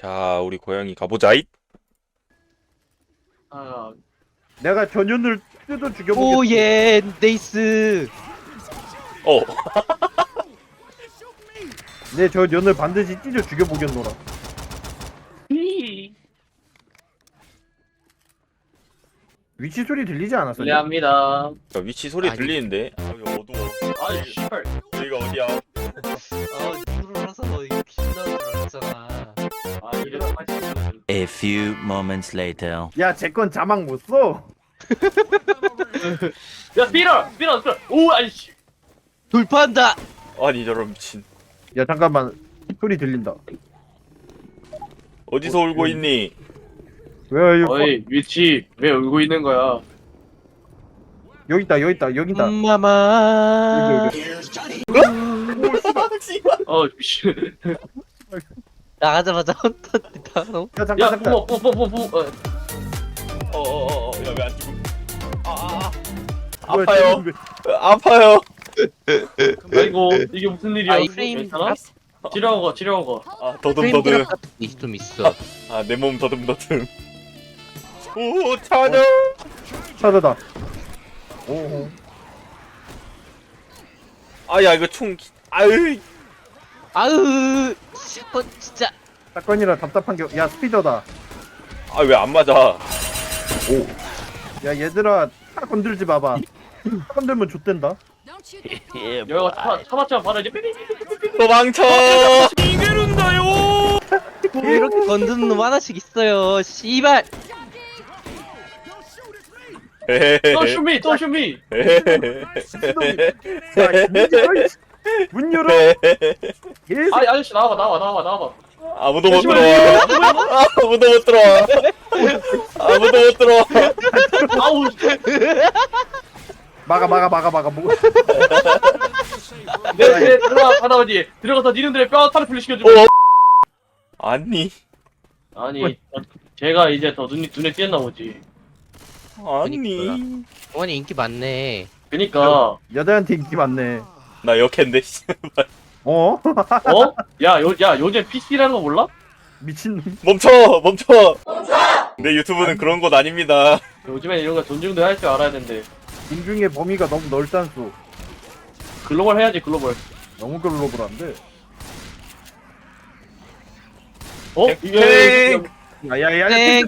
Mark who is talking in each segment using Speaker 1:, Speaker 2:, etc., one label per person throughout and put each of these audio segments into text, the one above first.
Speaker 1: 자, 우리 고양이 가보자잇.
Speaker 2: 아,
Speaker 3: 내가 전윤을 뜯어 죽여보겠어.
Speaker 4: 오예 네이스.
Speaker 1: 어,
Speaker 3: 내 전윤을 반드시 찢어 죽여보겠노라. 위치 소리 들리지 않았어?
Speaker 2: 불리합니다.
Speaker 1: 자, 위치 소리
Speaker 4: 아니.
Speaker 1: 들리는데. 아, 여기 어두워.
Speaker 2: 아이, 씨발.
Speaker 1: 여기가 어디야?
Speaker 4: 눈으로서 이거 빛나는 줄 알았잖아.
Speaker 2: 아, 이래서 빠지는
Speaker 5: A few moments later.
Speaker 3: 야, 제 건 자막 못 써.
Speaker 2: 야, 스피너! 스피너! 스피너! 오, 아이씨.
Speaker 4: 돌파한다.
Speaker 1: 아니, 저런 미친.
Speaker 3: 야, 잠깐만. 소리 들린다.
Speaker 1: 어디서 울고 있니?
Speaker 3: 왜 여기
Speaker 2: 어이, 위치, 왜 울고 있는 거야?
Speaker 3: 여기 있다, 여기 있다, 여기 있다.
Speaker 4: 마마.
Speaker 2: 미친.
Speaker 4: 나가자마자 헌터다.
Speaker 3: 야, 잠깐,
Speaker 2: 야,
Speaker 3: 잠깐.
Speaker 2: 뿜어.
Speaker 1: 야, 왜 안 죽음?
Speaker 3: 뭐야,
Speaker 1: 아파요.
Speaker 3: 쟤는
Speaker 1: 아파요.
Speaker 2: 아이고, 이게 무슨 일이야?
Speaker 4: 아이 프레임
Speaker 2: 괜찮아? 치료하고.
Speaker 1: 아, 더듬더듬.
Speaker 4: 좀 있어.
Speaker 1: 아, 내 몸 더듬더듬. 오, 찾아.
Speaker 3: 왜 찾아다. 오.
Speaker 1: 아, 야, 이거 총. 아유.
Speaker 4: 아으 샷건 진짜.
Speaker 3: 사건이라 답답한 게. 야, 스피더다.
Speaker 1: 아, 왜 안 맞아?
Speaker 3: 야, 얘들아, 차 건들지 마봐. 차 건들면 좆된다.
Speaker 2: 여기가 차봤자 바로 이제 삐삐삐삐삐삐.
Speaker 1: 도망쳐.
Speaker 4: 왜 이렇게 건드는 놈 하나씩 있어요. 씨발.
Speaker 2: 또 슈미, 또 슈미.
Speaker 3: 야, 문 열어. 예,
Speaker 2: 아이, 아저씨 나와봐.
Speaker 1: 아무도 못 들어와. 아무도 못 들어와. 아무도 못 들어와.
Speaker 2: 아우,
Speaker 3: 막아. 뭐.
Speaker 2: 내 들어가 받아오지. 들어가서 니놈들의 뼈 타르플리 시켜주고.
Speaker 1: 아니.
Speaker 2: 아니, 제가 이제 더 눈에 띄었나 보지.
Speaker 1: 아니.
Speaker 4: 어머니 인기 많네.
Speaker 2: 그니까,
Speaker 3: 여자한테 인기 많네.
Speaker 1: 나 역캔데.
Speaker 3: 어?
Speaker 2: 야, 요즘 PC라는 거 몰라?
Speaker 3: 미친놈.
Speaker 1: 멈춰. 내 유튜브는 그런 곳 아닙니다.
Speaker 2: 요즘엔 이런 거 존중도 할 줄 알아야 되는데.
Speaker 3: 인중의 범위가 너무 넓단수.
Speaker 2: 글로벌 해야지, 글로벌.
Speaker 3: 너무 글로벌한데.
Speaker 2: 이게,
Speaker 3: 야야야.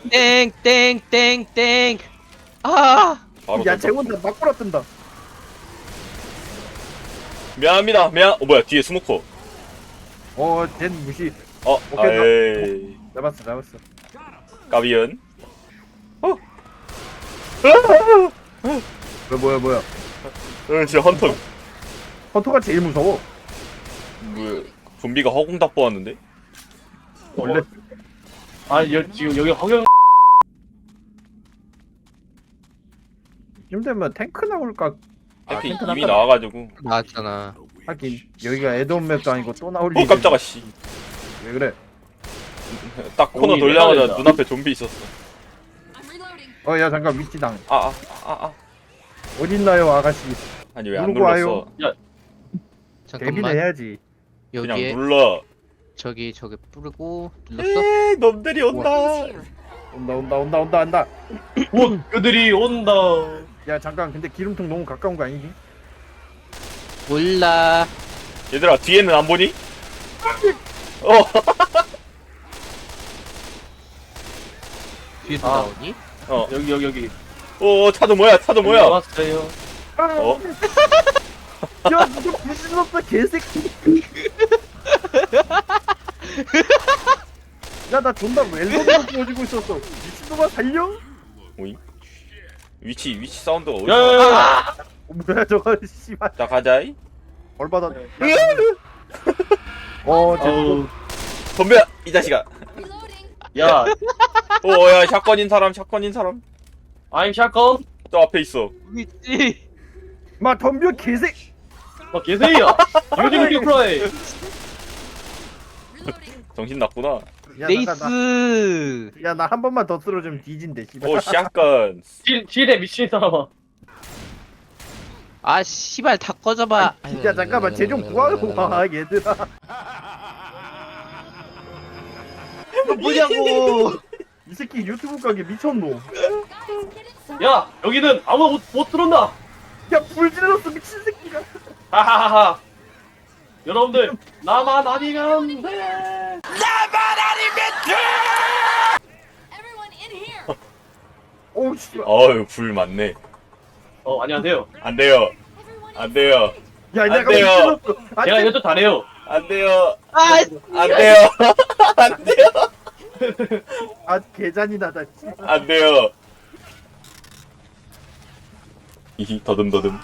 Speaker 4: 땡땡땡땡땡. 아.
Speaker 1: 바로
Speaker 3: 야,
Speaker 1: 던져.
Speaker 3: 쟤혼자 막 불어뜬다.
Speaker 1: 미안합니다. 뭐야, 뒤에 스모커.
Speaker 3: 쟨 무시. 오케이,
Speaker 1: 아이.
Speaker 3: 잡았어.
Speaker 1: 까비언.
Speaker 3: 뭐야.
Speaker 1: 진짜 헌터.
Speaker 3: 헌터가 제일 무서워.
Speaker 1: 뭐, 좀비가 허공답 보았는데?
Speaker 3: 원래.
Speaker 2: 지금 여기 허경,
Speaker 3: 좀 되면 탱크 나올까?
Speaker 1: 탱크
Speaker 3: 탱크
Speaker 1: 이미
Speaker 3: 나가-
Speaker 1: 나와가지고.
Speaker 4: 나왔잖아.
Speaker 3: 하긴 여기가 에드온 맵도 아니고 또 나올
Speaker 1: 오,
Speaker 3: 일이.
Speaker 1: 깜짝아, 씨.
Speaker 3: 왜 그래?
Speaker 1: 딱 코너
Speaker 2: 여기
Speaker 1: 돌려가자
Speaker 2: 내려야
Speaker 1: 눈앞에 좀비 있었어.
Speaker 3: 야, 잠깐 위치당.
Speaker 1: 아.
Speaker 3: 어딨나요, 아가씨?
Speaker 1: 아니, 왜 안
Speaker 3: 누르고 와요.
Speaker 1: 눌렀어?
Speaker 3: 데뷔는
Speaker 4: 잠깐만.
Speaker 3: 해야지.
Speaker 1: 그냥
Speaker 4: 여기에
Speaker 1: 눌러.
Speaker 4: 저기 뿌리고 눌렀어?
Speaker 1: 에이, 놈들이 온다.
Speaker 3: 온다.
Speaker 2: 그들이 온다.
Speaker 3: 야, 잠깐. 근데 기름통 너무 가까운 거 아니지?
Speaker 4: 몰라.
Speaker 1: 얘들아, 뒤에는 안 보니?
Speaker 4: 뒤에서
Speaker 2: 아.
Speaker 4: 나오니?
Speaker 2: 여기.
Speaker 1: 차도 뭐야?
Speaker 2: 왔어요.
Speaker 1: 어?
Speaker 3: 야, 누가 부신없어, 개새끼. 야, 나 존나 웰던으로 보여주고 있었어. 미친놈아, 달려?
Speaker 1: 오잉? 위치 사운드가 어디서?
Speaker 2: 야야야.
Speaker 3: 뭐야, 저거, 씨발.
Speaker 1: 자, 가자이.
Speaker 3: 얼마나.
Speaker 2: 네.
Speaker 3: 쟤
Speaker 1: 덤벼, 이 자식아.
Speaker 2: 야,
Speaker 1: 야, 샷건인 사람.
Speaker 2: I'm 샷건.
Speaker 1: 또 앞에 있어.
Speaker 4: 있지.
Speaker 3: 마, 덤벼, 개새끼.
Speaker 2: 계세요. 요즘 큐프라이.
Speaker 1: 정신 났구나.
Speaker 4: 네이스.
Speaker 3: 야, 나 한 번만 더 쓰러지면 뒤진대, 씨발.
Speaker 1: 오, 샷건.
Speaker 2: 지대 미친 사람아.
Speaker 4: 아 씨발 다 꺼져봐.
Speaker 3: 야, 잠깐만, 쟤 좀 구하고 와, 얘들아.
Speaker 4: 이거 뭐냐고.
Speaker 3: 이 새끼 유튜브 가게 미쳤노.
Speaker 2: 야 여기는 아무도 못 들어온다.
Speaker 3: 야 불질렀어 미친 새끼가.
Speaker 2: 하하하하. 여러분들 나만 아니면 돼.
Speaker 6: Everyone in here.
Speaker 3: 오우 씨발.
Speaker 1: 어유 불 많네.
Speaker 2: 안녕하세요.
Speaker 1: 안 돼요.
Speaker 6: Everyone
Speaker 1: 안 돼요.
Speaker 3: 야
Speaker 1: 안
Speaker 3: 내가
Speaker 1: 돼요.
Speaker 3: 불질렀어. 안
Speaker 2: 제가
Speaker 3: 돼.
Speaker 2: 이것도 잘해요.
Speaker 1: 안 돼요.
Speaker 4: 아,
Speaker 1: 안 돼요. 안 돼요.
Speaker 3: 아 개잔인하다. 씨발.
Speaker 1: 안 돼요. 이 더듬더듬.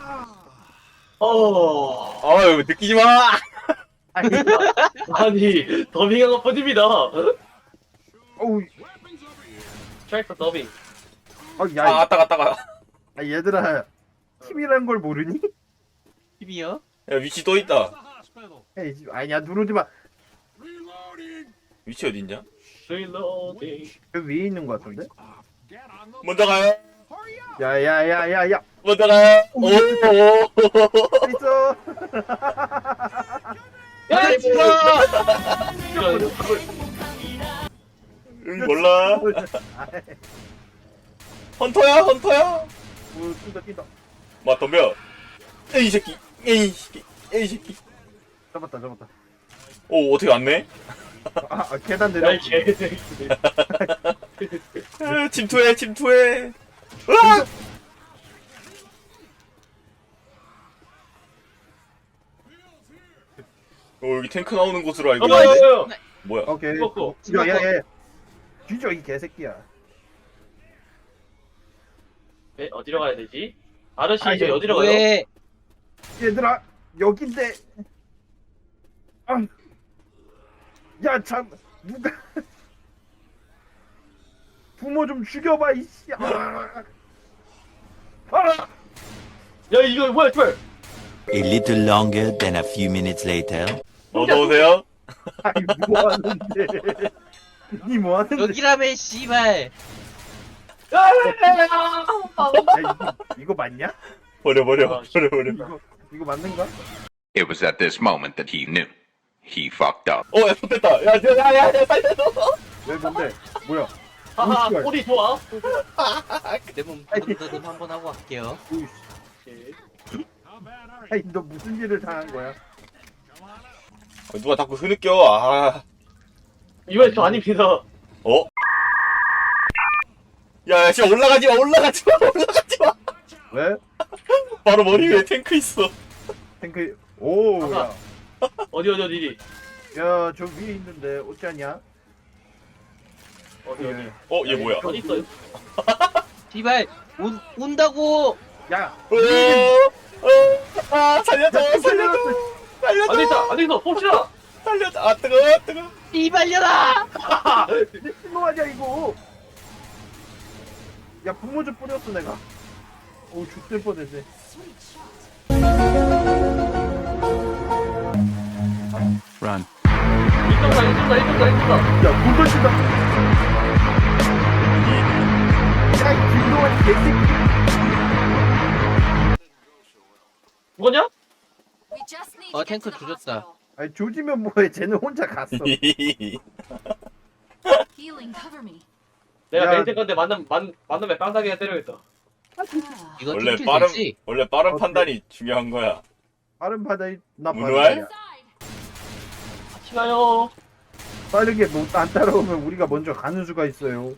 Speaker 1: 어유 느끼지 마.
Speaker 3: 아니,
Speaker 2: 아니 더빙한 것 뿐입니다.
Speaker 3: 어우.
Speaker 2: 트랙터 더빙.
Speaker 3: 야,
Speaker 1: 아 따가.
Speaker 3: 아, 얘들아 팀이란 걸 모르니?
Speaker 4: 팀이요?
Speaker 1: 야 위치 또 있다.
Speaker 3: 에이 아니야 누르지 마.
Speaker 1: 위치 어딨냐?
Speaker 2: 리로딩.
Speaker 3: 그 위에 있는 거 같은데?
Speaker 1: 먼저 가요.
Speaker 3: 야야야야야.
Speaker 1: 먼저 가요. 오.
Speaker 3: 있어.
Speaker 2: 야 진짜.
Speaker 1: 응 몰라. 헌터야.
Speaker 3: 오 뛴다.
Speaker 1: 마 덤벼. 에이 새끼. 에이 새끼.
Speaker 3: 잡았다.
Speaker 1: 오 어떻게 왔네?
Speaker 3: 계단 내려.
Speaker 2: 야이 개새끼.
Speaker 1: 침투해. 으악! 여기 탱크 나오는 곳으로 알고 있는데. 뭐야?
Speaker 3: 오케이.
Speaker 2: 먹고.
Speaker 3: 야야야. 뒤져 이 개새끼야.
Speaker 2: 네, 어디로 가야 되지? 아저씨
Speaker 3: 아,
Speaker 2: 이제
Speaker 3: 이거
Speaker 2: 어디로 가요?
Speaker 4: 왜?
Speaker 3: 얘들아 여긴데. 아. 야 참 누가 부모 좀 죽여봐 이씨. 아.
Speaker 2: 야 이거 뭐야 털?
Speaker 5: A little longer than a few minutes later.
Speaker 1: 어서 오세요.
Speaker 3: 아니 뭐 하는데? 니 뭐 하는데?
Speaker 4: 여기라면 씨발.
Speaker 3: 야, 이거 맞냐?
Speaker 1: 버려.
Speaker 3: 이거 맞는가?
Speaker 7: It was at this moment that he knew. He fucked up.
Speaker 1: 야 좋됐다. 야 살려줘.
Speaker 3: 왜 뭔데? 뭐야?
Speaker 2: 하하
Speaker 3: 씨발.
Speaker 2: 꼬리 좋아.
Speaker 4: 내몸 더듬더듬 한번 하고 갈게요.
Speaker 3: 오이씨. 아니 너 무슨 일을 당한 거야?
Speaker 1: 누가 자꾸 흐느껴. 아.
Speaker 2: 이번엔 저 아닙니다.
Speaker 1: 어? 야 지금 올라가지 마.
Speaker 3: 왜?
Speaker 1: 바로 머리 위에 탱크 있어.
Speaker 3: 탱크. 오. 야.
Speaker 2: 어디.
Speaker 3: 야, 저 위에 있는데 어쩌냐?
Speaker 2: 어디.
Speaker 1: 얘 뭐야?
Speaker 2: 어디 있어요?
Speaker 4: 씨발 온다고.
Speaker 3: 야.
Speaker 1: 살려줘.
Speaker 2: 안 있어. 봅시다.
Speaker 1: 살려줘. 아 뜨거.
Speaker 4: 씨발려라.
Speaker 3: 미친놈 아니야 이거. 야 부모 좀 뿌렸어 내가. 오 죽될 뻔했네.
Speaker 5: Run.
Speaker 2: 이쪽다.
Speaker 3: 야돈 던진다. 야이 김동환 개새끼.
Speaker 2: 죽었냐?
Speaker 6: We just need to get
Speaker 4: 탱크
Speaker 6: to the
Speaker 4: 조졌다.
Speaker 6: hospital.
Speaker 3: 아니 조지면 뭐해? 쟤는 혼자 갔어.
Speaker 6: Healing, cover me.
Speaker 2: 내가
Speaker 3: 야.
Speaker 2: 맨 생각인데 만나면 깡다리가 때려야겠다.
Speaker 4: 이거
Speaker 1: 원래
Speaker 4: 팀킬
Speaker 1: 빠른
Speaker 4: 되지?
Speaker 1: 판단이 중요한 거야.
Speaker 3: 빠른 바다에 나
Speaker 1: 문우알?
Speaker 3: 바다야.
Speaker 2: 같이 가요.
Speaker 3: 빠르게 안 따라오면 우리가 먼저 가는 수가 있어요.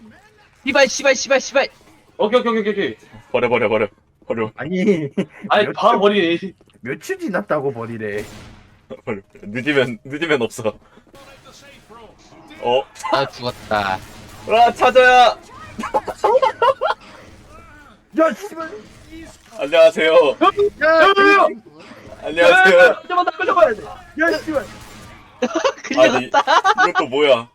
Speaker 4: 씨발.
Speaker 2: 오케이.
Speaker 1: 버려.
Speaker 3: 아니
Speaker 2: 아니 바로 버리네.
Speaker 3: 며칠 지났다고 버리래.
Speaker 1: 늦으면 없어.
Speaker 4: 아 죽었다.
Speaker 1: 와 찾아야.
Speaker 3: 야 씨발.
Speaker 1: 안녕하세요.
Speaker 3: 야.
Speaker 1: 안녕하세요.
Speaker 2: 잠깐만 나 끌려가야 돼.
Speaker 3: 야 씨발.
Speaker 1: 아니 이것도 뭐야?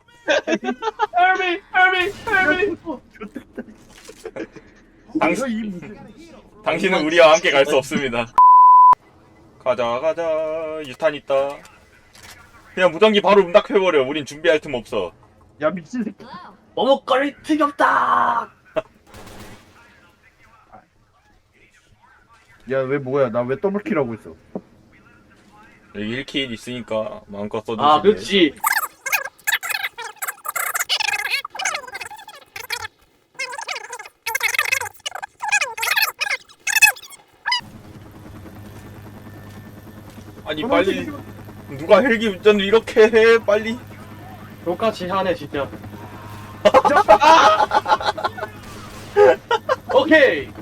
Speaker 2: 헬미.
Speaker 3: 좋겠다.
Speaker 1: 당신-
Speaker 3: 이 무슨.
Speaker 1: 당신은 우리와 함께 갈 수 없습니다. 가자. 유탄 있다. 그냥 무전기 바로 응답해버려. 우린 준비할 틈 없어.
Speaker 3: 야 미친 새끼.
Speaker 6: Hello.
Speaker 2: 머뭇거릴 틈이 없다.
Speaker 3: 야 왜 뭐야? 나 왜 더블킬하고 있어?
Speaker 1: 여기 1킬 있으니까 마음껏 써주시네.
Speaker 2: 아 그렇지.
Speaker 1: 아니 빨리 누가 헬기 운전을 이렇게 해 빨리.
Speaker 2: 똑같이 하네 진짜. 오케이.